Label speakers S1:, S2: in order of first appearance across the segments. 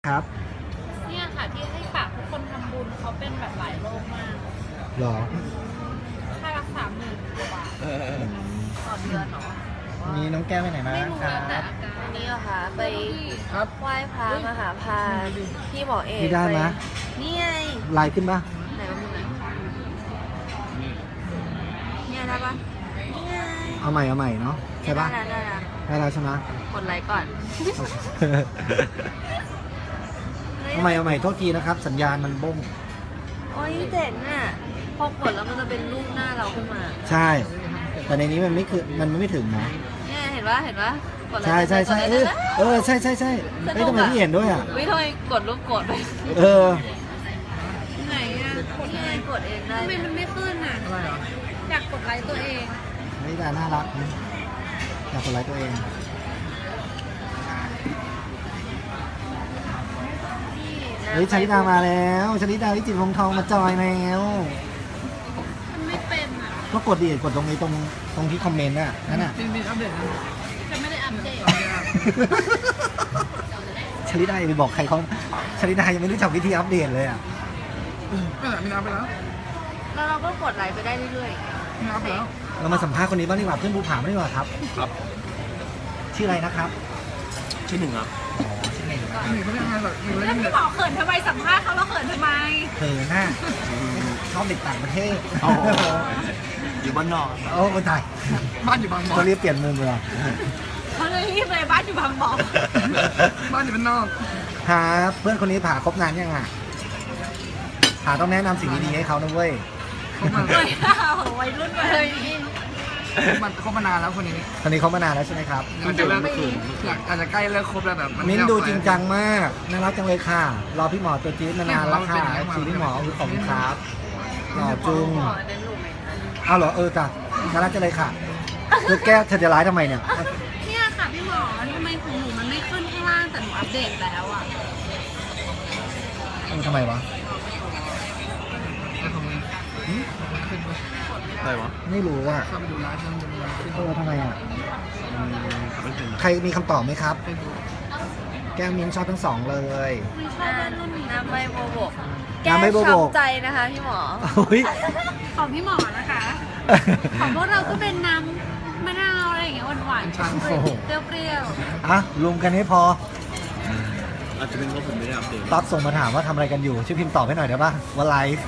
S1: ครับ
S2: เนี่ยค่ะที่ให้ฝากทุกคนทำบุญเขาเป็นแบบหลายโรคมาก
S1: หรอ
S2: ค่ารักษา10,000 กว่าบาทต่อเดือนเนาะ
S1: นี่น้องแก้วไปไหนมา
S2: ไม่รู้
S1: ครั
S2: แล้วแต่
S1: บ
S2: อาการ
S3: นี่เหรอคะไป
S1: ครับ
S3: ไหว้พระมหาพานพี่หมอเอก
S1: พี่ได้ไหม
S3: นี่ไง
S1: ไลน์ขึ้นปะ
S3: ไหนบ้างไหนเนี่ยได้ปะนี่ไง
S1: เอาใหม่เนาะใช่ปะ
S3: ได้แล้ว
S1: ได้แล้วใช่ไหม
S3: กดไลค์ก่อน
S1: เอาใหม่โทษทีนะครับ สัญญาณมันบ้ง
S3: โอ้ยเจ๋งอ่ะพอกดแล้วมันจะเป็นรูปหน้าเราขึ้นมา
S1: ใช่ แต่ในนี้มันไม่ถึงนะ
S3: เนี่ยเห็นปะกดไลค์
S1: ใช่
S3: กดไลค์
S1: ใช่เฮ้ยทำไมพี่เห็นด้วยอ่ะ
S3: วิทำไมกดรูปกดไป
S1: เออ
S2: ไหนอ่ะกด
S3: นี่ไงกดเองได้
S2: ทำไมมันไม่ขึ้นอ่ะอยากกดไลค์ตัวเอง
S1: นี่ดาน่ารักนะอยากกดไลค์ตัวเองเฮ้ยชลิดามาแล้วชลิดาวิจิตรวงศ์ทองมาจอยแล้ว
S2: มันไม่เป็นอ่ะ
S1: ก็กดดิกดตรงนี้ตรงที่คอมเมนต์น่ะนั่นน่ะ
S4: มีอัปเดตนะ
S2: จะไม่ได้อัปเดต
S1: ชลิดาอย่าไปบอกใครเขาชลิดายังไม่รู้จักวิธีอัปเดตเลยอ่ะ
S4: ไม่ไหนมีน้ำไปแล้ว
S3: แล้วเราก็กดไลค์ไปได้เรื่อย
S4: มีน้ำไปแล้ว
S1: เรามาสัมภาษณ์คนนี้บ้างดีกว่าเพื่อนภูผาไม่ดีกว่าครับ
S5: ครับ
S1: ชื่ออะไรนะครับ
S5: ชื่อหนึ่งครับ
S1: อ๋อชื่อไงครับ
S4: หนีไม่ได้ไงหรอกหนีไม่
S2: แล้ว
S4: ได้
S2: พี่หมอเขินทำไมสัมภาษณ์เขาแล้วเขินทำไม
S1: เธอหน้าชอบเด็กต่างประเทศ
S5: อ๋อ อยู่บ้านนอก
S1: โอ้ไม่ตาย
S4: บ้านอยู่บางบ่อ
S1: เขาเรียกเปลี่ยนมุมเลยเหรอ
S2: เขาเลยรีบเลยบ้านอยู่บางบ่อ
S4: บ้านอยู่บ้านนอก
S1: ครับเพื่อนคนนี้ผ่าครบนานยังอ่ะผ่าต้องแนะนำสิ่งดีๆให้เขานะเว้ย
S4: เขามา
S2: เฮ้ยวัยรุ่นเลย
S4: เขามานานแล้วคนนี้
S1: คนนี้เขามานานแล้วใช่ไหมครับ
S4: มันจะเลิกอยากอาจจะใกล้เลิกครบแล้วแบบ
S1: มิ้นท์ดูจริงจังมากน่ารักจังเลยค่ะ รอพี่หมอตัวจี๊ดมานานแล้วค่ะชีพี่หมอคือของครับหล่อจุง
S3: ๆขอเป็นรูปไหมคะ
S1: เอาเหรอจ้ะน่ารักจังเลยค่ะเธอแก้เธอจะร้ายทำไมเนี่ย
S2: เนี่ยค่ะพี่หมอทำไมของหนูมันไม่ขึ้นข้างล่างแต่หนูอัปเดตแล้วอ่ะ
S1: ทำไมวะ
S4: แล้วของมึง
S5: อะไรวะ
S1: ไม่รู้อ่ะ
S4: เข้าไปดูร้านช่างดูร้านขึ้น
S1: ทำไมอ่ะ
S5: ไม่ถึง
S1: ใครมีคำตอบไหมครับ
S4: เป็นดู
S1: แก้วมิ้นท์ชอบทั้งสองเลย
S2: ไม่ชอบรุ่นนี้
S3: น้ำใบโบโบก
S1: น้ำใบโบโบก
S3: แก้ช้ำใจนะคะพี่หมอ
S1: อุ้ย
S2: ของพี่หมอนะคะ ของพวกเราก็เป็นน้ำมะนาวอะไรอย่างเงี้ยหวานๆเปรี้ยว
S1: อ่ะรวมกันให้พอ
S5: อาจจะเป็นเพราะผมไม่ได้อัปเดต
S1: ต๊อบส่งมาถามว่าทำอะไรกันอยู่ ช่วยพิมพ์ตอบให้หน่อยได้ป่ะว่าไลฟ์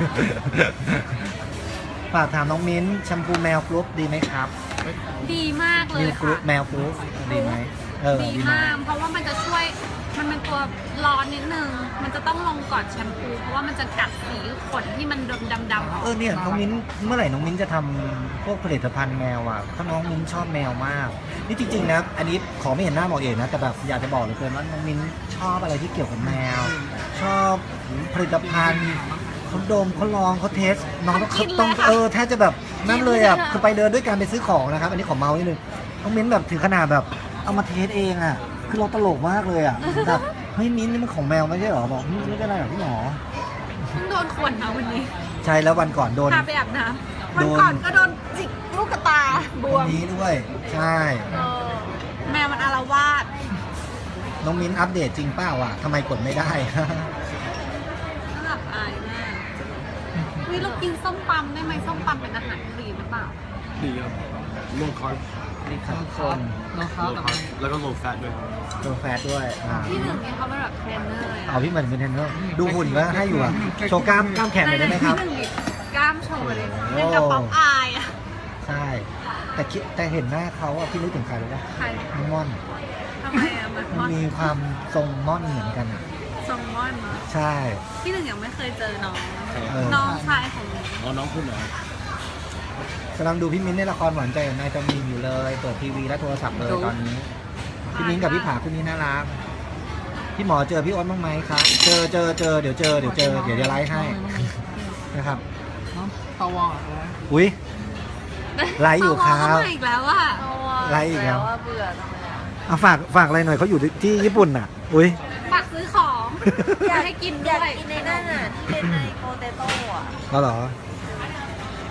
S1: ฝากถามน้องมิ้นท์แชมพูแมวกรุ๊ปดีไหมครับ
S2: ๆดีมากเล
S1: มิ
S2: ยว
S1: กรุ๊ป
S2: ค่ะ
S1: แมวกรุ๊ปดีไหม
S2: ดี
S1: ดีไหม
S2: มาก เพราะว่ามันจะช่วย มันเป็นตัวร้อนนิดนึง มันจะต้องลงก่อนแชมพู เพราะว่ามันจะกัดสีขนที่มันดำๆออก
S1: เนี่ยน้องมิ้นเมื่อไหร่น้องมิ้นจะทำพวกผลิตภัณฑ์แมวอ่ะเพราะน้องมิ้นชอบแมวมาก นี่จริงๆนะอันนี้ขอไม่เห็นหน้าหมอเอกนะแต่แบบอยากจะบอกเหลยเกินว่าน้องมิ้นชอบอะไรที่เกี่ยวกับแมว ชอบผลิตภัณฑ์เขาดมเขาลองเขาเทสน้องต้องแทบจะแบบนั่นเลยอ่ะคือไปเดินด้วยกันไปซื้อของนะครับ อันนี้ขอเมาส์นิดนึงน้องมิ้นแบบถึงขนาดแบบเอามาเทสเองอ่ะคือเราตลกมากเลยอ่ะแบบเฮ้ยมิ้นนี่มันของแมวไม่ใช่เหรอบอกไม่เป็นไรหรอกพี่หมอ
S2: เพิ่งโดนขวนมาวันนี้
S1: ใช่แล้ววันก่อนโดน
S2: พาไปอาบน้ำวันก่อนก็โดนจิกลูกกระตาบว
S1: วั
S2: ม
S1: นนี้ด้วยใช่
S2: แมวมันอาละวาด
S1: น้องมิ้นอัปเดตจริงเปล่าอ่ะทำไมกดไม่ได้
S2: น่าอับอายมากวิเรากินส้มตำได้ไหมส้มตำเป็นอาหารคลีนหรือเปล่า
S5: ดีครับโลคอร์
S1: นี่ครับทุกคน
S4: น้องเขา
S5: โลคอร์แล้วก็โลแฟตด้วยครับ
S1: ตัวแฟตด้วย
S2: ที่หนึ่งเนี่ยเขาเป็นแบบเทรนเนอร์เลย
S1: เอาพี่เหมือนเป็นเทรนเนอร์ดูหุ่นก็ให้อยู่อ่ะโชว์กล้ามแขนหน่อยได้ไหมครับ
S2: ที่หนึ่งมีกล้ามโชว์เลย
S1: โอ้
S2: เป็นกระป๋องอายอะ
S1: ใช่แต่เห็นหน้าเขาอ่ะพี่นึกถึงใครรู้ป่ะ
S2: ใคร
S1: น้องม่อน
S2: ทำไมอะมัน
S1: มันมีความทรงม่อนเหมือนกันอ่ะ
S2: ซองมอนเนอะ
S1: ใช่
S2: ที่หนึ่งยังไม่เคยเจอน้อง
S1: เออ
S2: น้องชายของหนู
S5: อ๋อน้องคุณเหรอ
S1: กำลังดูพี่มิ้นในละครหวานใจกับนายจำมีนอยู่เลยเปิดทีวีและโทรศัพท์เลยตอนนี้พี่มิ้นกับพี่ผาคู่นี้น่ารักพี่หมอเจอพี่อ้นบ้างไหมครับเจอเดี๋ยวจะไลฟ์ให้นะครับ
S4: น้องตาวองอะไร
S1: อุ้ยไลฟ์อยู่ครั
S2: เขา
S1: บ
S2: มาอีกแล้วว่า
S1: ไลค์อีกแล้ว
S3: เบื่อทำไมอะ
S1: เอาฝากอะไรหน่อยเขาอยู่ที่ญี่ปุ่นอ่ะ อุ้ย
S2: ฝากซื้อของอยากให้กิน
S3: อ
S2: ด้
S3: ยาก
S2: วย
S3: กินในนั่นน่ะที่เป็นในโปเตโต้อะ
S1: แล้วเหรอ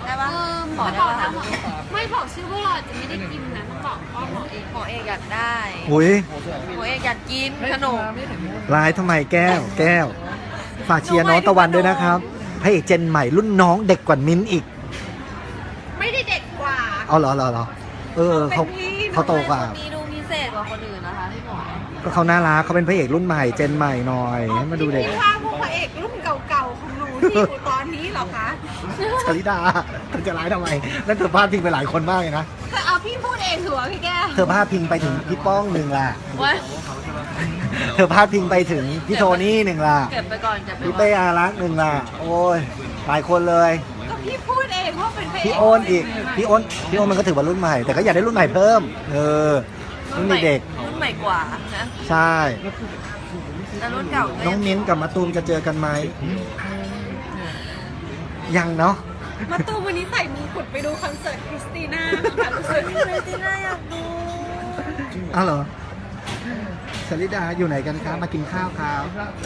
S3: ได้ปะ
S2: หมอบอกแล้วหมอไม่บอกชื่อพวกเราจะไม่ได้กินนะต้องบอกว่าหมอเอง
S3: หมอเอกอยากได้
S1: อุ้ย
S3: หมอเอกอยากกินขนม
S1: ร้ายทำไมแก้ว ฝากเชียร์น้องตะวันด้วยนะครับพระเอกเจนใหม่รุ่นน้องเด็กกว่ามิ้นท์อีก
S2: ไม่ได้เด็กกว่า
S1: เอาเหรอเออเขาโตกว่า
S3: คนนี้ดูพิเศษกว่าคนอื่นนะคะพี่หมอ
S1: ก็เขาน่ารักเขาเป็นพระเอกรุ่นใหม่เจนใหม่หน่อยให้มาดูเด็ก
S2: พี่ว่าพวกพระเอกรุ่นเก่าๆของหนูที่อยู่ตอนนี้เหรอคะ
S1: ชลิดาเธอจะร้ายทำไมนั่นเธอพาดพิงไปหลายคนมากเลยนะ
S2: แต่เอาพี่พูดเองถือว่าพี่แก้ว
S1: เธอพาดพิงไปถึงพี่ป้องหนึ่งล่ะ
S3: ว่า
S1: เธอพาดพิงไปถึงพี่โทนี่หนึ่งล่ะ
S3: เก็บไปก่อนเก็บไป
S1: พี่
S3: ก่อ
S1: เป้
S3: น
S1: อารักษ์หนึ่งล่ะโอ้ยหลายคนเลย
S2: ก็พี่พูดเองว่าเป็นพระเอก
S1: พี่โอนอีกพี่โอนมันก็ถือว่ารุ่นใหม่ แต่ก็อยากได้รุ่นใหม่เพิ่มรุ่นเด็ก
S3: รุ่นใหม่กว่านะ
S1: ๆใช่
S3: แต่รุ่นเก่าก็
S1: น้องมิ้นท์กับมะตูมจะเจอกันไหมยังเนาะ
S2: มาตูมวันนี้ใส่มงกุฎไปดูคอนเสิร์ตคริสติน่าค่ะรู้สึก
S3: เรติน่าอยากดู
S1: อ้าวเหรอชลิดาอยู่ไหนกันครับมากินข้าวครับ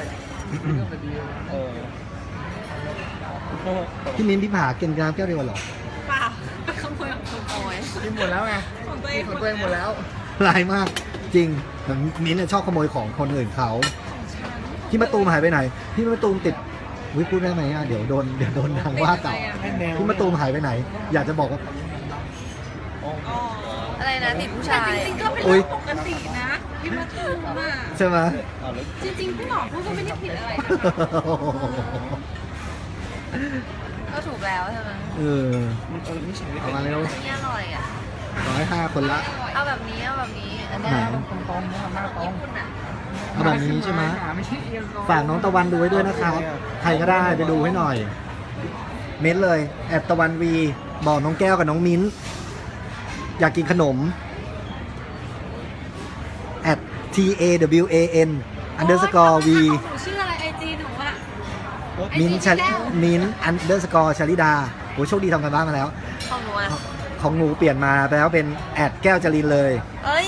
S1: พี่มิ้นท์พี่ผากินน้ำแก้วเดียวกันเหรอ
S2: เปล่าขโมยของคน
S3: โอ้ย
S4: กินหมดแล้วไง
S2: ของตัวเอง
S4: ของตัวเองหมดแล้ว
S1: ร้ายมากจริงเหมือนมิ้นท์เนี่ยชอบขโมยของคนอื่นเขาพี่มะตูมหายไปไหนพี่มะตูมติดวิพูดได้ไหมอ่ะเดี๋ยวโดนทางว่าเก่าพี่มะตูมหายไปไหน อยากจะบอกว่า
S3: อะไรนะติดผู้
S2: แต่
S3: ชาย
S2: จริงๆก็เป็น
S1: อุ๊
S2: เรื่
S1: ย
S2: องปกตินะพี่มาตูมอ่ะ
S1: ใช่ไหม
S2: จริงๆพี่หมอพูดก็ไม่ได้ผิดอะไรนะ
S3: ก็ถูกแล้วใช่ไหม
S1: เออเอามาเร็ว
S3: นี่อร่อยอ่ะ
S1: 105 คนละ
S3: เอาแบบนี้เอาแบบนี้อันนี้
S1: ไหน
S4: ตรงๆนะครับหน้าตร
S3: ญี่
S4: ง
S3: ปุ่นอ่ะ
S1: เอาแบบนี้ใช่ไหม
S4: ไม่ใช่เอียงตรง
S1: ฝากน้องตะวันดูไว้ด้วยนะครับใครก็ได้ไปดูให้หน่อย เม้นเลยแอดตะวันวีบอกน้องแก้วกับน้องมิ้นอยากกินขนมแอด TAWAN underscore V
S2: ของหนูชื่ออะไรไอจีหนูอะ
S1: มิ้นunderscore ชลิดาโหโชคดีทำกันบ้านมาแล้ว
S3: ของหนูอ่ะ
S1: ของหนูเปลี่ยนมาแล้วเป็นแอดแก้วจรินเลย
S3: เอ้ย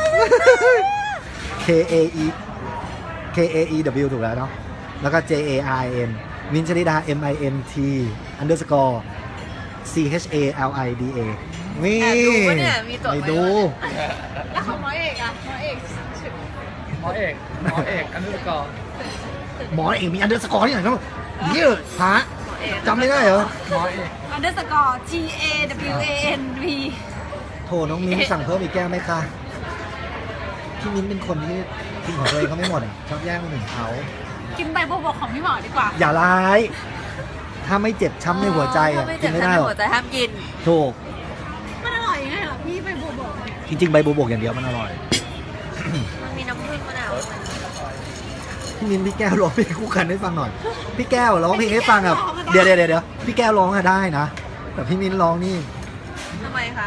S1: KAEW ถูกแล้วเนาะแล้วก็ JARN มินชลิดา MINT underscore CHALIDA นี่
S3: แอบดูปะเนี่ยมีตัว
S1: ไปดู
S2: แล้วของหมอเอกอะหมอเอก
S4: หมอเอกอันนี้ก่อน
S1: หมอเองมี underscore ที่ไหนครับเยอะฮะจำไม่ได้เหรอ
S4: หมอเอก
S2: underscore GAWANV
S1: โทรน้องมิ้นสั่งเพิ่มอีกแก้วไหมคะพี่มิ้นเป็นคนที่กินของตัวเองเขาไม่หมดอ่ะชอบแย่งคนอื่นเขา
S2: กินใบบัวบกของพี่หมอดีกว่า
S1: อย่าร้าย ถ้าไม่เจ็บช้ำในหัวใจอ่ะ
S3: ถ้าไม่
S1: กิ
S3: เจ็
S1: น
S3: บ
S1: ไม่
S3: ช้ำ
S1: ได้
S3: ใน
S1: หรอก
S3: หัวใจห้ามกิน
S1: ถูก
S2: มันอร่อยยังไงเหรอพี่ใบบัวบกเนี่ย
S1: จริงๆใบบัวบกอย่างเดียวมันอร่อย
S3: มันมีน้ำผึ้งมะนาว
S1: พี่มิ้นพี่แก้วร้องเพลงคู่กันให้ฟังหน่อย พี่แก้วร้องเพลงให้ฟังอ่ะเดี๋ยวพี่แก้วร้องอะได้นะ แต่พี่มิ้นร้องนี่
S3: ทำไมคะ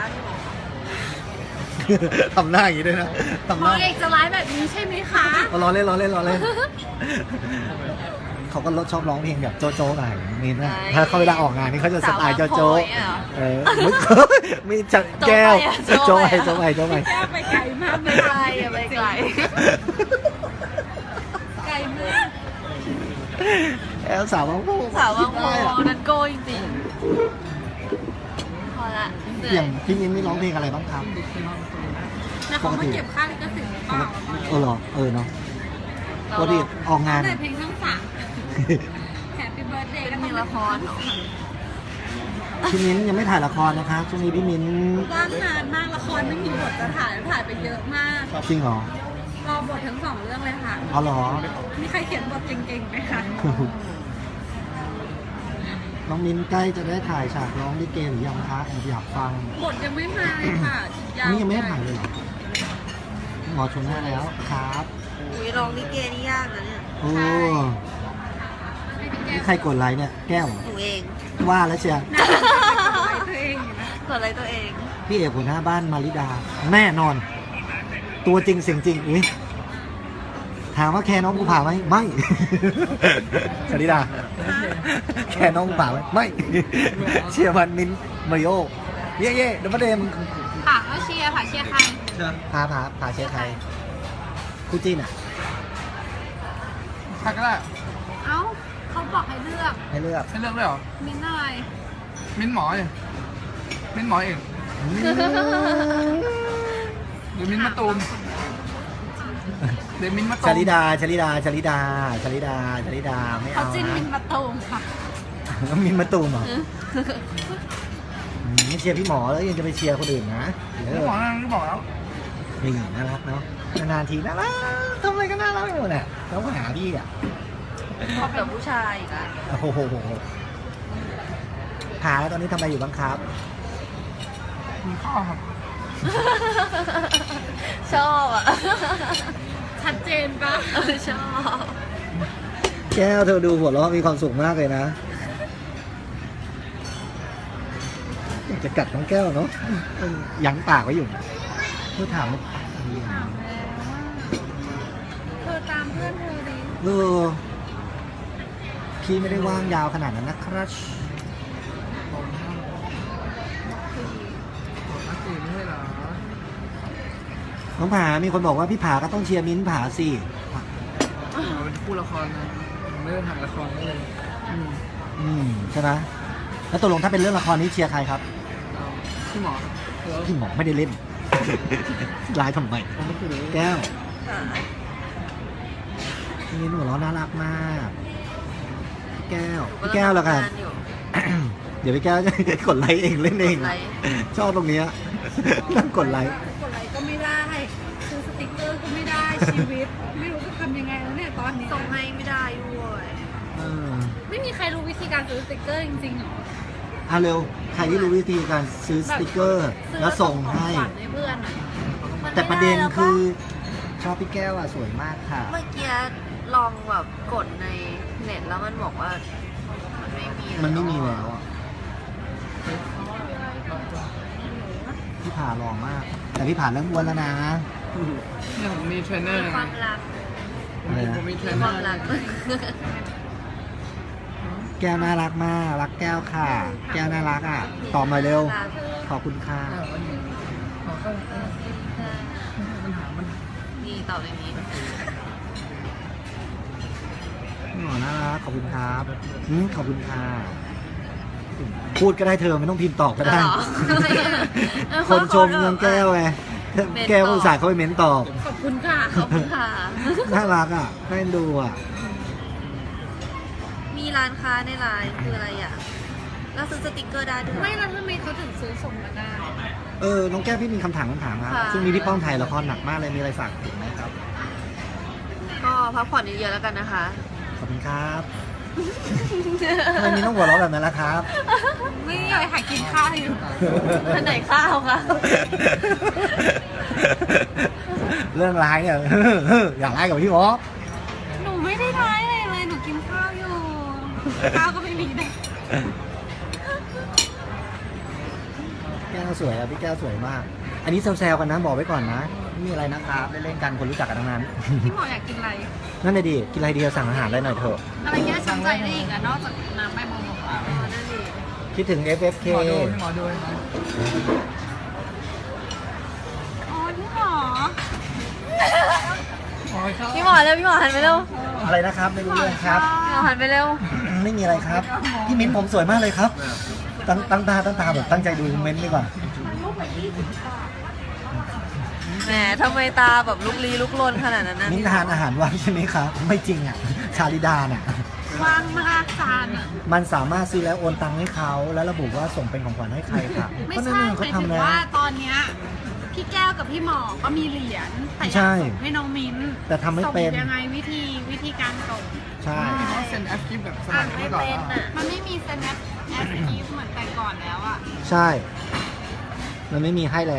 S1: ทำหน้าอย่างนี้ด้วยนะทำ
S2: ห
S1: ห
S2: มอ
S1: น้า
S2: เอกจะร้ายแบบนี้ใช่ไหมคะ
S1: ล้อเล่นเขาก็ชอบร้องเพลงแบบโจ๊ะๆหน่อยมิ้นนะถ้าเขาเวลาออกงานนี่เขาจะสไตล์โจ๊ะ
S3: สาวบางโพยอะ
S1: ๆมีจะแก้วโจ๊ะไป
S2: แก้ไปไกลมากเลย
S3: ไกลอะไปไกล
S2: ไกลมาก
S1: แอลสาวบางโพ
S3: สาวบางโพนั้นโกจริงๆพอละเหนื่
S1: อ
S3: อย่าง ย
S1: พี่มิ้นไม่ร้องเพลงอะไรบ้างครับ
S2: แต่เขาไม่เก็บค่าลิขสิทธิ์หรือเปล่า
S1: เหรอเนาะ
S3: เรา
S1: ปกติออกงาน
S2: แต่เพลงทั้งสามแฮปปี้เบิร์ดเดย์
S3: เป็นมีละครเหรอ
S1: พี่มิ้นยังไม่ถ่ายละครนะคะช่วงนี้พี่มิ้น
S2: ว่างงานมากละครไม่มีบทจะถ่ายไปเยอะมาก
S1: จริงเหรอ
S2: รอบททั้งสองเรื่องเลยค่ะ
S1: อ๋อเหรอ
S2: มีใครเขียนบทเก่งๆไหมคะ
S1: น้องมิ้นใกล้จะได้ถ่ายฉากร้องลิเกหรือยังคะแอบอยากฟัง
S2: บทยังไม่มาเลยค่ะ
S1: อันนี้ยังไม่ได้ถ่ายเลยเหรอหมอชวนได้แล้วครับ
S3: อุ้ยร้องลิเกนี่ยากนะเนี่ย
S1: โอ้
S2: ให้พี่แก้
S1: นี่
S2: ว
S1: ใครกดไลค์เนี่ยแก้วเหรอ
S3: หนูเอง
S1: ว่าแล้วเชียร์
S2: ไปตัวเองอยู่นะ
S3: กดอะไรตัวเอง
S1: พี่เอกหัวหน้าบ้านมาริดา แน่นอน ตัวจริงเสียงจริงอุ้ยถามว่าแค่น้องกูผ่าไหมไม่ มาริดา แค่น้องกูผ่าไหมไม่ เชียร์มันมินมาริโอเย่เดี๋ยวมาเดม
S2: ค่ะก็เชียร์ค่ะเชียร์ใคร
S1: พาเชียร์ใครคู่จิ้นอ่ะ
S4: ทักก็ได้
S2: เอ้าเขาบอกให้เลือก
S1: ให้เลือก
S4: ให้เลือกด้วยเหรอ
S2: มิ้นท์อะไร
S4: มิ้นหมอเองมิ้นหมอเองหรือมิ้นมะตูมหรือมิ้นมะตูม
S1: ชลิดาไม่
S2: เขา
S1: เอา
S2: จิ้นมิน
S1: นะ
S2: ประตูมค่ะ
S1: มินมาตูมเหรอไม่เชียร์พี่หมอแล้วยังจะไปเชียร์คนอื่นนะเดี๋ยว
S4: มิ้นหมอนั่นก็บอกแล้ว
S1: นี่น่ารักเนาะนานๆทีน่ารักทำอะไรก็น่ารักไปหมดอ่ะแล้วมาหาพี่อ่ะ
S3: ชอบแบบผู้ชายอีกอ่ะ
S1: โอ้โหหาแล้วตอนนี้ทำอะไรอยู่บ้างครับ
S4: มีข้อครับ
S3: ชอบอ่ะ
S2: ชัดเจนปะ
S3: ชอบ
S1: แก้วเธอดูหัวเราะมีความสุขมากเลยนะอยากจะกัดน้องแก้วเนาะยั้งปากไว้อยู่เพื่อถาม
S2: เธอตามเพื่อนเธอดิ
S1: พี่ไม่ได้ว่างยาวขนาดนั้นนะครับ
S4: นักตื่นไม่ใช่เหรอ
S1: น้องผามีคนบอกว่าพี่ผาก็ต้องเชียร์มิ้นท์ผาสิ
S4: เป็นคู่ละครนะผมไม่ได้ถ่ายละครเลย
S1: ใช่ไหมแล้วตกลงถ้าเป็นเรื่องละครนี้เชียร์ใครครับ
S4: พี่หมอครับ
S1: พี่หมอไม่ได้เล่น ลายทำไมแก้วพี่มิ้นท์หัวเราะน่ารักมากพี่แก้วแล้วกัน เดี๋ยวพี่แก้วจะกดไลค์เองเล่นเอง
S3: กดไลค์
S1: ชอบตรงเนี้ยนั่งกดไลค์
S2: กดไลค์ก็ไม่ได้ซื้อสติ๊กเกอร์ก็ไม่ได้ชีวิต ไม่รู้จะทำยังไงแล้วเนี่ยตอนนี้
S3: ส่งให้ไม่ได้ด้วย
S2: ไม่มีใครรู้วิธีการซื้อสติ๊กเกอร์จริงๆหรอ
S1: เอาเร็วใครที่รู้วิธีการซื้อสติกเกอร์ แล้วส่งให้
S2: ของขวัญให้เพื่อนหน่อย
S1: แต่ประเด็นคือชอบพี่แก้วอ่ะสวยมากค่ะ
S3: เมื่อกี้ลองแบบกดในเน็ตแล้วมันบอกว่า มันไม่มี
S1: แล้วอ่ะพี่ผ่าหล่อมาก แต่พี่ผ่าเริ่มอ้วนแล้วนะ
S4: เนี่ยผมมีเทรนเนอร์
S3: มีความรัก
S4: ผมมีเทร
S3: มี
S4: นเน
S3: ค
S4: อ
S3: วาม
S4: ร์
S3: รัก
S1: แก้วน่ารักมากรักแก้วค่ะ แก้วน่ารักอ่ะตอบมาเร็วขอบคุณค่ะ
S4: ขอเข้าปัญหามัน
S3: นี่ตอบอย่างนี้
S1: หมอน่ารักขอบคุณครับขอบคุณค่ะพูดก็ได้เธอไม่ต้องพิมพ์ตอบก็ได้
S3: เหรอ
S1: คนชมเงินแก้วไงแก้วก็อุตส่าห์เข้าไปเม้นตอบ
S2: ขอบคุณค่ะ
S3: ขอบคุณค่ะ
S1: น่ารักอ่ะน่าเอ็นดูอ่ะ
S3: มีร้านค้าในไลน์คืออะไรอ่ะแล้วซื้อสติกเกอร์ได้ด้วย
S2: ไม่แล้วทำไมเขาถึงซื้อส่งมาได้
S1: น้องแก้วพี่มีคำถามครับ
S3: ค่ะ
S1: ช่วงนี้พี่ป้อมถ่ายละครหนักมากเลยมีอะไรฝากถึงไหมครับ
S3: ก็พักผ่อนเยอะๆแล้วกันนะคะ
S1: ขอบคุณครับทำไมมีต้องหัวเราะแบบนั้นล่ะครับ
S2: ไม่อยากหากินข้าวอยู่
S3: ท่านไหนข้าวคะ
S1: เรื่องร้ายเนี่ย อยากร้ายกับพี่หมอ
S2: หนูไม่ได้ร้ายอะไรเลยหนูกินข้าวอยู่ ข้าวก็ไม่มีเลย
S1: แก้วสวยอ่ะพี่แก้วสวยมาก อันนี้แซวๆกันนะบอกไว้ก่อนนะไม่มีอะไรนะครับเล่นๆกันคนรู้จักกันทั้งนั้น
S2: พี่หมออยากกินอะไร
S1: นั่นเลยดิกินอะไรดีสั่งอาหารได้หน่อยเถอะ
S2: อะไรเงี้ยฉันใจได้อีกอะนอกจากน้ำใบบัวบกอะ
S3: นั่นดิ
S1: คิดถึง FFK
S4: หมอดูพี่หมอดู
S2: อ๋อพี่หมอ
S3: พี่หมอเร็วพี่หมอหันไปเร็ว
S1: อะไรนะครับไม่รู้เรื่องครับ
S3: พี่หมอหันไปเร็ว
S1: ไม่มีอะไรครับ พี่มิ้นผมสวยมากเลยครับ ตั้งตาแบบตั้งใจดูคอมเมนต์ดีกว่า
S3: แหมทำไมตาแบบลุกลี้ลุกลนขนาดนั้นนะ
S1: มิ้นทานอาหารว่างใช่ไหมครับ ไม่จริงอ่ะ ชาลิดาน่ะ
S2: ว่างมากจานอะ
S1: มันสามารถซื้อแล้วโอนตังค์ให้เขาแล้วระบุว่าส่งเป็นของขวัญให้ใครค่ะ
S2: ไม่
S1: ก็นั่น
S2: ใช่
S1: เอง
S2: ห
S1: เขา
S2: มายถึง
S1: ทำแล้ว
S2: ว่าตอนเนี้ยพี่แก้วกับพี่หมอก็มีเหรียญแต่อยา
S1: ใช่
S2: กส่งให้น้องมิ้น
S1: แต่ทำไม่เป็น
S2: ส่งยังไงวิธีการส่ง
S1: ใช่
S4: เซ็นแอปกิฟแบบสมัย
S3: ไม่
S4: เมื่อก่อน
S3: เป็นอ่ะ
S2: มันไม่มีเซนแอปกีฟเหมือนแต่ก่อนแล้วอะ
S1: ใช่ มันไม่มีให้แล้ว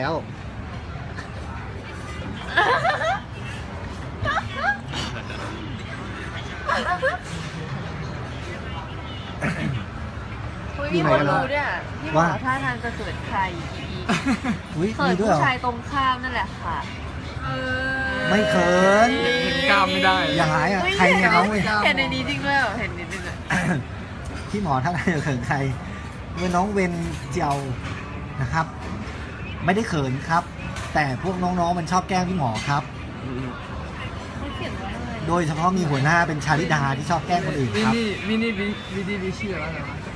S3: อุ๊ยพี่หมอรู้ด้วยอะพี่หมอ
S1: ว่า
S3: ท่าทางจะเกิดใครอีก
S1: อุ้ย
S3: เขิ
S1: มี
S3: น
S1: ด้วยเหร
S3: ผู้
S1: อ
S3: ชายตรงข้ามนั่นแหละค่ะ
S1: ไม่เขิน
S4: เห็นกล้ามไม่ได้
S1: อย่าหายอ่ะ ใครเนี่ยเขาเว้ย
S3: เห็นในนี้จริงด้วยเหรอเห็นนิดนึงอ่ะ
S1: พี่หมอท่านจะเขินใครเป็นน้องเวนเจียวนะครับ ไม่ได้เขินครับ แต่พวกน้องๆมันชอบแกล้งพี่หมอครับ
S3: เขาเขียนว่าอะไร
S1: โดยเฉพาะมีหัวหน้าเป็นชาลิดาที่ชอบแกล้งคนอื่น
S4: วิ
S1: ครับ
S4: นี่วินี่วิดีวิชื่ออะไรนะ
S5: I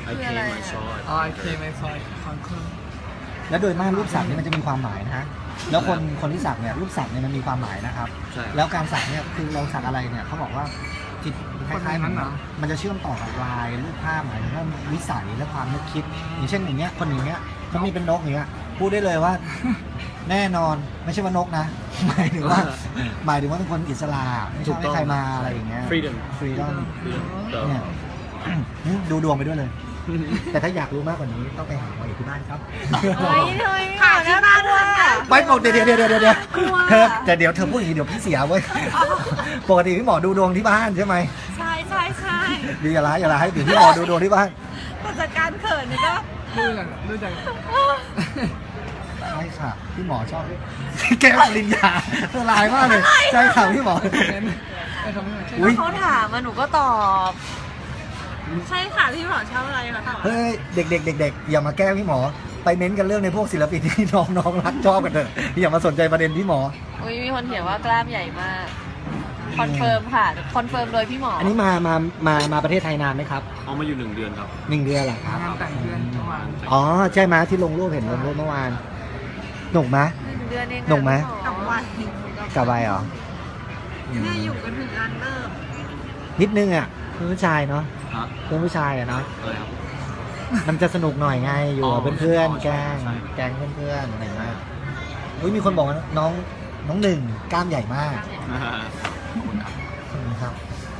S5: I
S3: คืออะไร
S5: came I
S3: อะ
S5: saw it
S4: อ๋อไอเคไม่ซอยคอนเคิร์
S1: แล้วโดยมากรูปสักเนี่ยมันจะมีความหมายนะฮะแล้วคนที่สักเนี่ยรูปสักเนี่ยมันมีความหมายนะครับ
S5: ใช่
S1: แล้วการสักเนี่ยคือเราสักอะไรเนี่ยเขาบอกว่าจิตคล้ายๆมันจะเชื่อมต่อกับลายรูปภาพหมายถึงว่าวิสัยและความนึกคิด อย่างเช่นอย่างเงี้ยคนอย่างเงี้ยเขามีเป็นนกอย่างเงี้ยพูดได้เลยว่า แน่นอนไม่ใช่ว่านกนะ หมายถึงว่าเป็นคนอิสระไม่ชอบให้ใครมาอะไรอย่างเงี้ย
S5: freedom
S1: freedom
S5: freedom
S1: เนี่ย ดูดวงไปด้วยเลย แต่ถ้าอยากรู้มากกว่านี้ต้องไปหาหมออยู่ที่บ้านครับ
S3: เฮ้ยเฮ้ยค่ะที่บ้านว่า
S1: ไม่ปกติเดี๋ยวเธอแต่เดี๋ยวเธอพูดอย่างนี้เดี๋ยวพี่เสียเว้ย ปกติพี่หมอดูดวงที่บ้านใช่ไหม
S2: ใช่
S1: ดีอย่าร้ายให้เดี๋ยวพี่หมอดูดวงที่บ้าน
S2: แต่จากการเขินนี่ก็
S4: ดูจาก
S1: ใช่ค่ะพี่หมอชอบ แก้วปริญญาเธอร้ายมากเลยใช่ค่ะพี่หมอ
S4: ไอ้คำนี้ใช่
S1: อุ๊ย
S3: เขาถามมาหนูก็ตอบ
S2: ใช่ค่ะพี่หมอชอบอะไรคะ
S1: เฮ้ยเด็กอย่ามาแก้พี่หมอ ไปเน้นกันเรื่องในพวกศิลปินที่น้องรักชอบกันเถอะอย่ามาสนใจประเด็นพี่หมอ
S3: อุ้ยมีคนเขียนว่ากล้ามใหญ่มากคอนเฟิร์มค่ะคอนเฟิร์มโดยพี่หมอ
S1: อั
S3: อั
S1: นนี้มาประเทศไทยนานไหมครับ
S5: เอามาอยู่1 เดือนครับ
S1: 1 เดือนเหรอครับ
S4: งานแต่งเดือนประมาณ
S1: อ๋อใช่ไหมที่ลงรูปเห็นลงรูปเมื่อวานหนุกไหม
S3: 1 เดือนเอง
S1: หนุ่มไหม
S2: กับวัน
S1: กลับไปเหรอ
S2: เนี่ยอยู่กันถึงอันเลิก
S1: นิดนึงอ่ะเพื่อนผู้ชายเนาะ
S5: ฮะ
S1: เพื่อนผู้ชายอ่ะเนาะ
S5: อะไรครับ
S1: มันจะสนุกหน่อยไงอยู่กับเพื่อน
S5: อ๋อ
S1: ๆแกล้ง
S5: ใช่
S1: แกล้งเพื่อนๆอะไรอย่างเงี้ยอุ้ยมีคนบอกว่าน้องหนึ่งกล้ามใหญ่มากครับ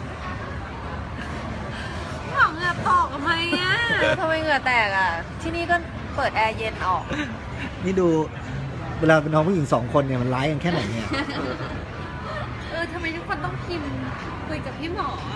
S2: หมอเหงื่อตกทำไมอ่ะ
S3: ทำไมเหงื่อแตกอ่ะ ที่นี่ก็เปิดแอร์เย็นออก
S1: นี่ดูเวลาเป็นน้องผู้หญิง2 คนเนี่ยมันร้ายกันแค่ไหนเนี่ย
S2: ทำไมทุกคนต้องพิมพ์คุยกับพี่หมออะ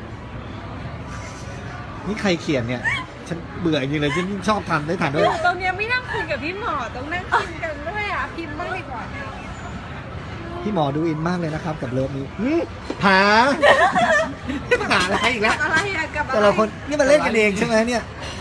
S1: นี่ใครเขียนเนี่ยฉันเบื่อจริงเลยฉันชอบทำได้ทัน
S2: อ
S1: ด้วย
S2: ยู่ตรงเนี้ยไม่นั่งคุยกับพี่หมอต้องนั่งพิมพ์กันด้วยอ่ะพิมพ์บ้างดีกว่า
S1: พี่หมอดูอินมากเลยนะครับกับเลิฟนี้หาหาอะไรอีกแล้ว
S2: อะไรอะกับอะไร
S1: แต่ละคนนี่มันเล่นกันเองใช่ไหมเนี่ย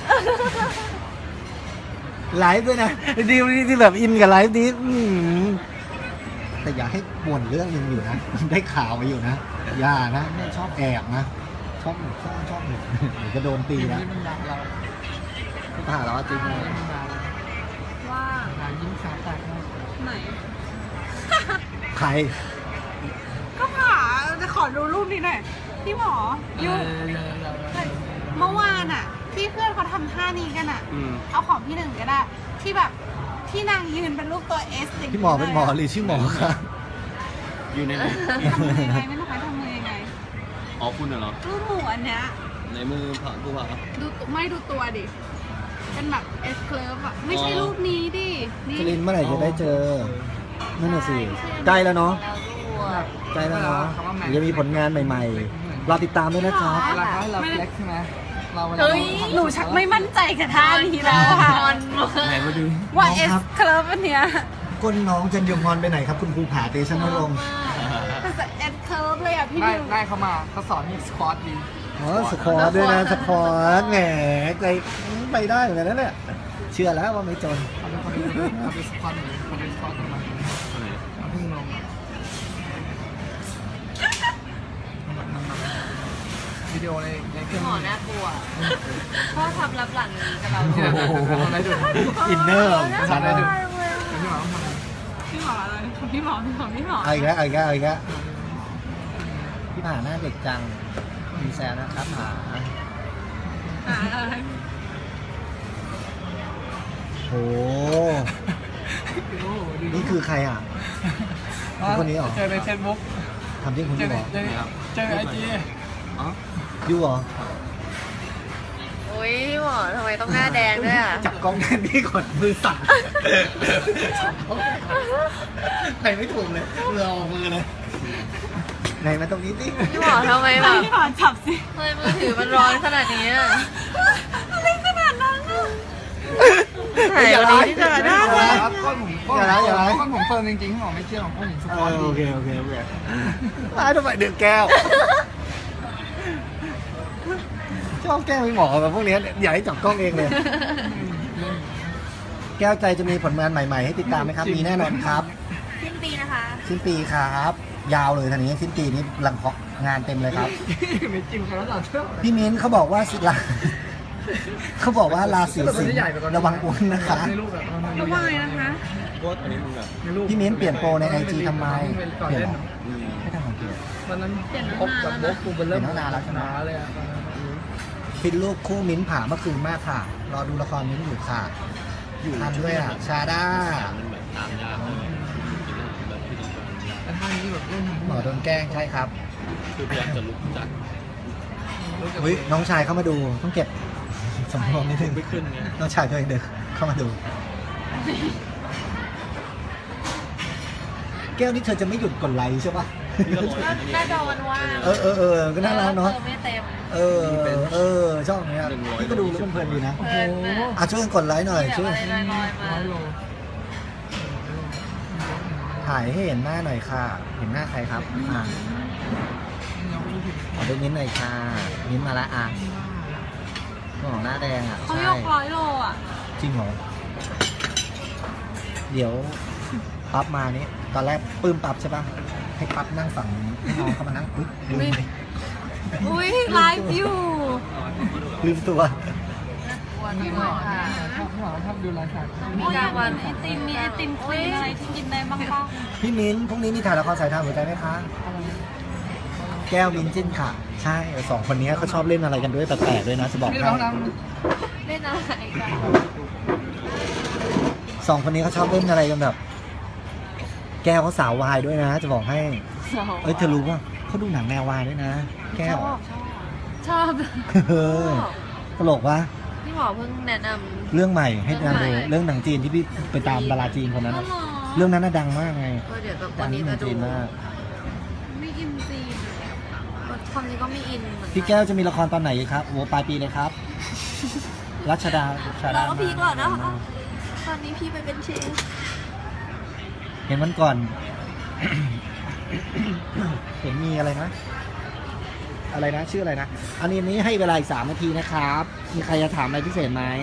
S1: ไลฟ์ด้วยนะดีที่แบบอินกับไลฟ์นี้แต่อย่าให้บ่นเรื่องหนึงอยู่นะ ได้ข่าวมาอยู่นะอย่านะไม่ชอบแอบนะชอบหนุกชอบหนุกเดี๋ยวจะโดนตี
S4: ทีม
S1: นะ
S4: ที่มันด่าเรา
S1: ผ่าแล้วจริงเลย
S4: มันด่า
S2: ว่า
S4: ด่ายิ้มขาแตกนะ
S2: ไหน
S1: ใคร
S2: ก็ผ่าจะขอดูรูปนี้หน่อยพี่หมอยุ่งเมื่อวานอ่ะที่เพื่อนเขาทำท่านี้กันอ่ะ
S5: อืม
S2: เอาของพี่หนึ่งก็ได้ ที่แบบที่นางยืนเป็นรูปตัวเอส
S1: พี่หมอเป็นหมอหรือชื่อหมอครับ
S5: อยู่ในไหน
S2: ทำมือยังไงไม่รู้ใครทำมือยังไง
S5: อ๋อคุณเหรอ
S2: รูปหมูอันเนี้ย
S5: ในมือผ่าผู้ผ่า
S2: ดูตัวไม่ดูตัวดิเป็นแบบเอสเคลิฟอ่ะไม่ใช่รูปนี้ดินี่
S1: จรินเมื่อไหร่จะได้เจอนั่นน่ะสิใกล้แล้วเนาะ
S3: แล้วด้วย
S1: ใกล้แล้วเนาะเดี๋ยวจะมีผลงานใหม่ๆรอติดตามด้วยนะครับ
S4: เวลาเขาให้เราเฟล็กใช่ไหมเราเวลา
S2: เฮ้ยหนูชักไม่มั่นใจกับท่านี้แล้วค่ะ
S3: งอนมาก
S5: ไหนมาดู
S2: ว่าเอสเคลิฟอันเนี้ย
S1: ก้นน้องจันยงงอนไปไหนครับคุณครูผาเตชะนรงค์
S2: แต่เอสเคลิฟเลยอ่ะพี่
S4: ได้
S2: ดิว
S4: ได้เขามาเขาสอนให้สควอตดี
S1: อ๋อสควอตด้วยนะสควอตแหมใจไปได้เหมือนกันนะเนี่ยเชื่อแล้วว่าไม่จน
S4: เขาเป็นคนดีเขาเป็นสควอตหนึ่งเขาเป็นสควอตประมาณ
S5: ไหน
S4: เพิ่งลงวิดีโอในเครื่
S3: พี่
S4: อง
S3: หมอน่ากลัวพ่อทำรับหลังนี้กับเรา
S4: โอ้โหทำอะไรดู
S1: อินเนอร์
S4: ทำอะไรดู
S2: พี่หมออะไรพี่หมอพี่หมอ
S1: เอาอีกแล้วพี่ผาหน้าเด็กจังมีแซวนะครับผา
S2: อะไร
S1: โอ้นี่คือใครอ่ะ คนนี้เหรอ
S4: เจอในเฟซบุ๊ก
S1: ทำที่คุณ
S4: เจอ
S1: ที่
S4: ใน
S1: บอก
S4: เจอในไอจี
S5: อ๋อ
S1: ยูเหรอ
S3: อุ้ยพี่หมอทำไมต้องหน้าแดงด้วยอ่ะ
S1: จับกล้องแทนที่กดมือสั่นไหนไม่ถูกเลยมือออกมือเลยไหนมาตรงนี้สิ
S3: พี่หมอทำไมแบบ
S2: พี่หมอจับสิ
S3: ทำไมมือถือมันร้อนขนาดนี้อ่ะ
S2: อะไรขนาดนั้นอ่ะ
S3: ถ่ายวันนี้ที่จะได้
S4: ครับก้อนผมก้อนผมเฟิร์มจริงๆพี่หมอไม่เชื่อของก้อนผมสควอตดี
S1: โอเคร้ายทำไมเดือดแก้วชอบแก้วพี่หมอแบบพวกนี้อยากให้จับกล้องเองเลย แก้วใจจะมีผลงานใหม่ๆให้ติดตามไหมครับ มีแน่นอนครับ
S3: สิ้นปีนะคะ
S1: สิ้นปีครับ ยาวเลยทีนี้สิ้นปีนี้งานเต็มเลยครับ
S4: ไม่จริงใครแล้วต่อเชื่อ
S1: พี่มิ้นเขาบอกว่าศิลาเขาบอกว่าราศีสิงห์ระวังอ้วนนะคะ
S4: ในรูปแบบ
S2: ระวังเลยนะคะ
S5: เพราะว่าตอนนี้มึงแบบ
S4: ในรูป
S1: พี่มิ้นเปลี่ยนโปรใน IG ทำไม
S4: ก่อน
S1: เปลี่ยน
S4: เล่น
S1: เหรอ ไม่ทำสังเกต
S4: ตอนนั้นพบกับโบ๊กกูเป็นเริ่ม
S1: เห็นตั้งนานแล้วใช่ไหม
S4: เลยอ่ะ
S1: ฟินลูกคู่มิ้นผ่าเมื่อคืนมากค่ะ รอดูละครมิ้นอยู่ค่ะ ทันด้วยอ่ะ ชาด้า
S5: มันแบบตามยากเลยกินอาหารแบบที่ดีกว่า
S4: แต่ท่านี้แบบเล่น
S1: หมอโดนแกล้งใช่ครับ
S5: คือพยายามจะลุกจาก
S1: เฮ้ยน้องชายเข้ามาดูต้องเก็บสำรวมนิดนึง
S5: ไม่ขึ้นไง
S1: น้องชายตัวเองเดินเข้ามาดู แก้วนี่เธอจะไม่หยุดกดไลค์ใช่ปะ
S3: น่าจะวันว่าง
S1: ก็น่ารักเนาะ
S3: ไม่เต็ม
S1: ชอบเนี้ยพี่ก็ดูแล้วเพลินๆดีนะ
S3: เพลินนะ
S1: อ่ะช่วยกันกดไลค์หน่อย
S3: เดี๋ยว
S1: ช่วย
S3: อะไรลอยๆมา
S4: 100 โล
S1: ถ่ายให้เห็นหน้าหน่อยค่ะ เห็นหน้าใครครับอ่ะขอดูมิ้นท์หน่อยค่ะมิ้นท์มาละอ่ะของหน้าแดงอ่ะ
S2: เขา
S1: ใช่
S2: ยก100 โลอ่ะ
S1: จริงเหรอเดี๋ยวปั๊บมานี่ตอนแรกปลื้มปั๊บใช่ปะให้ปั๊บนั่งฝั่งนี้ให้น้องเขามานั่งอุ๊ยลืมไป
S2: อุ้ยไลฟ์อยู่
S1: ลืมตัว
S3: วันนี้หมอค่ะ
S4: ชอบดูไลฟ์สด
S3: มีกลางวัน
S2: ไอติมมีไอติมคลีนอะไรที่กินได้บ้างป่ะ
S1: พี่มิ้นท์พรุ่งนี้มีถ่ายละครสายทางหัวใจไหมคะ แก้วมิ้นท์จิ้นค่ะ ใช่สองคนนี้เขาชอบเล่นอะไรกันด้วยแปลกๆด้วยนะจะบอก
S4: นี่
S1: ให้
S4: ร้องดัง
S3: เล่นอะไรกัน
S1: สองคนนี้เขาชอบเล่นอะไรกันแบบ แก้วเขาสาววายด้วยนะ จะบอกให้ เอ้ยเธอรู้ป่ะเขาดูหนังแนววายด้วยนะ แก้ว
S3: ชอบ
S1: เออตลกวะ
S3: พี่หมอเพิ่งแนะน
S1: เรื่องใหม่ให้นางดู
S3: เรื่องใหม่
S1: เรื่องหนังจีนที่พี่ไปตามดาราจีนคนนั้น
S2: อ๋อ
S1: อะ
S2: เหรอ
S1: เรื่องนั้นน่ะดังมากไง
S3: ำก็เดี๋ยวกับ
S1: ดั
S3: วัน
S1: ง
S3: นี้
S1: ที่หนั
S3: จะ
S1: ง
S3: ดู
S1: จีนมาก
S2: ไม่กินจีน
S3: ความจริงก็ไม่อินเหมือนกัน
S1: พี่แก้วจะมีละครตอนไหนครับโอ้ปลายปีเลยครับ รัชดาชาดา
S3: เราก็พีก่อนนะคะตอนนี้พี่ไปเป็นเชฟ
S1: เห็นวันก่อน เห็นมีอะไรนะ อะไรนะ ชื่ออะไรนะ อันนี้ให้เวลาอีก3 นาทีนะครับ มีใครจะถามอะไรพิเศษไหม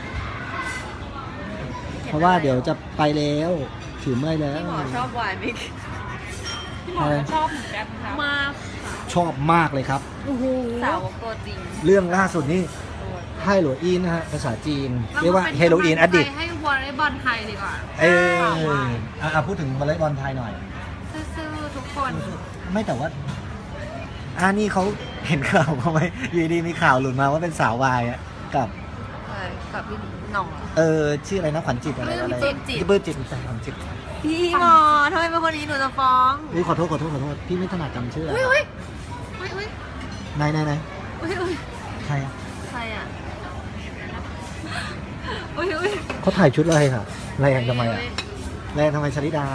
S1: เพราะว่าเดี๋ยวจะไปแล้วถือเมื่อยแล้ว
S3: พี่หมอชอบวายไหม
S2: พี่หมอก็ชอบเหมือนกันค่ะ
S3: มาก
S1: ชอบมากเลยครับ
S3: สาวกตัวจริง
S1: เรื่องล่าสุดนี่ไฮโลอีนนะฮะภาษาจีน เรียกว่าเฮโรอีนอดิต
S2: ให้วอลเลย์บอลไทยดีกว่า
S1: พูดถึงวอลเลย์บอลไทยหน่อย
S2: ซื่อๆทุกคน
S1: ไม่แต่ว่านี่เขาเห็นข่าวเขาไหมอยู่ดีมีข่าวหลุดมาว่าเป็นสาววายอะกับ
S3: กับพี่หน่อง
S1: ชื่ออะไรนะขวัญจิตอะไรอะไร
S3: ปลื้มจิต
S1: ปลื้มจิตขวัญจิต
S3: พี่หมอทำไมเป็นคนนี้หนูจะฟ้อง
S1: ขอโทษพี่ไม่ถนัดจำชื่ออะไร
S3: อุ้ย
S1: ไหน
S3: อุ้ยอุ้ย
S1: ใครอะ
S3: ใครอ่ะ
S2: อุ้ย
S1: เขาถ่ายชุดอะไรค่ะแรงทำไมอะแรงทำไมชลิดา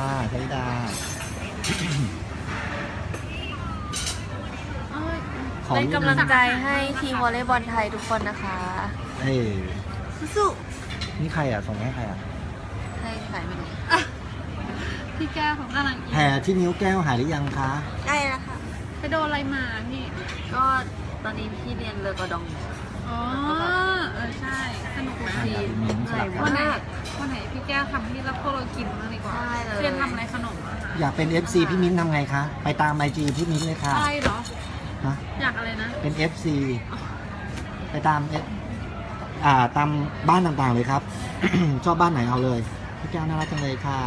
S1: ขอ
S3: เป็นกำลังใจให้ทีมวอลเลย์บอลไทยทุกคนนะคะ สู้
S1: นี่ใครอ่ะส่งให้ใครอ่ะ
S3: ๆให้ใครไม่รู้
S2: พี่แก้วของกำลังอิน
S1: แผลที่นิ้วแก้วหายหรือยังคะ
S3: ได้แล้วค่ะ
S2: ไปโดนอะไรมาพี่
S3: ก็ตอนนี้พี่เรียนเลอกระดอง
S2: อ๋อ ใช่ สนุกไหม
S1: อยากเป็นมิ้นท์สลับกั
S2: วัน
S1: น
S2: ไหนวันไหนพี่แก้วทำให้รับพวกเรากินบ้างดีกว่า
S3: ได้เลย
S2: เรียนทำอะไรขนมอะคะ
S1: อยากเป็น FC พี่มิ้นท์ทำไงคะ ไปตามไอจีพี่มิ้นท์เลยค่ะ
S2: อะไรเหรอ
S1: ฮะ
S2: อยากอะไรนะ
S1: เป็น FC ไปตามตามบ้านต่างๆเลยครับ ชอบบ้านไหนเอาเลยพี่แก้วน่ารักจังเลยค่ะ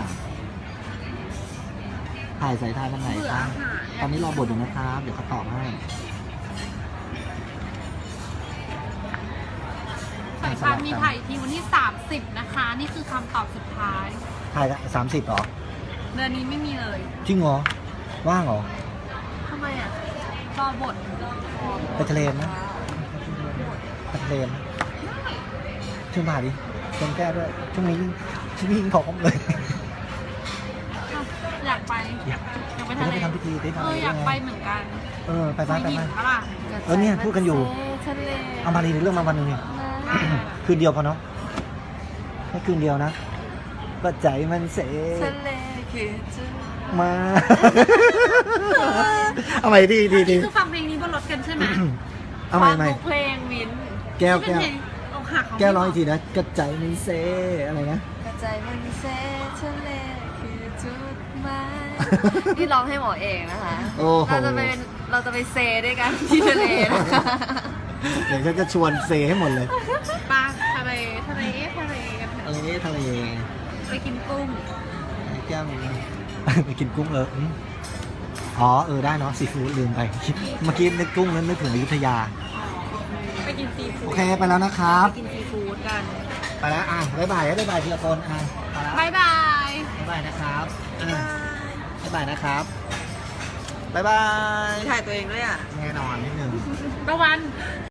S1: ถ่ายสายทายวันไหน
S2: เบื่อ
S1: คะ
S2: อาหาร
S1: ตอนนี้รอบทอยู่นะครับ เดี๋ยวเขาตอบให้
S2: สายพานมีถ่ายทีวันที่ 30 นะคะ นี่คือคำตอบสุดท้าย
S1: ถ่าย30เหรอ
S2: เดือนนี้ไม่มีเลย
S1: จริงเหรอ ว่างเหรอ
S3: ทำไมอ่ะ
S2: รอบท
S1: ไปทะเลไหมไปทะเลไหมชวนมาดิชวนแก้วด้วย ช่วงนี้ยิ่งพร้อมเลย
S2: อยากไป
S1: อยาก
S2: อยากไป
S1: จะ
S2: ทะ
S1: ได้
S2: เล
S1: ไปทำพิธีได้ทำอะไร
S2: อยาก
S1: ด้ว
S2: ไป
S1: ไง
S2: เหมือนกัน
S1: ไปบ้าน
S2: ไปหินปะล่ะ
S1: เนี่ยพูดกันอยู่
S3: ทะเล
S1: เอามาดีเรื่องมาวันหนึงเนี่ย คืนเดียวพอเนาะแค่คืนเดียวนะก็ใจมันเส
S3: ทะเลคือจุด
S1: มา เอาใหม่ดี
S2: นี่คือฟังเพลงนี้บนรถกันใช่ไหม
S1: เอาใหม่ใหม่
S3: ฟังทุกเพลงวิน
S1: แก้ว
S2: ที่เป็นเพลงอกหักของ
S1: แก้วร้องอีกทีนะกระใจมันเซอะไรนะ
S3: กระจายมันเซทะเลคือจุดหมายนี่ร้องให้หมอเองนะคะ
S1: โอ้โห
S3: เราจะไปเซด้วยกันที่ทะเลนะคะ
S1: เดี๋ยวฉันจะชวนเซให้หมดเลย
S2: ปลาทะเลทะเลทะเลกันเถ
S1: ทะ
S2: อะ
S1: เลทะเล
S2: ไปกินกุ้ง
S1: แก้วนี้ไปกินกุ้งอ๋อได้เนาะซีฟู้ดลืมไปเมื่อกี้นึกกุ้งนั้นนึกถึงอยุธยา
S2: ไปกินซีฟู้
S1: โอ
S2: ด
S1: เคไปแล้วนะครับ
S2: ไปกินซีฟู้ดกัน
S1: ไปแล้วบ๊ายบายทีละคนไปแล้ว
S2: บายบาย
S1: บ๊ายบายนะครับบ๊ายบายนะครับบ๊ายบาย
S3: ถ่ายตัวเองด้วยอ่ะ
S1: แน่นอนนิดนึง
S2: ตะวัน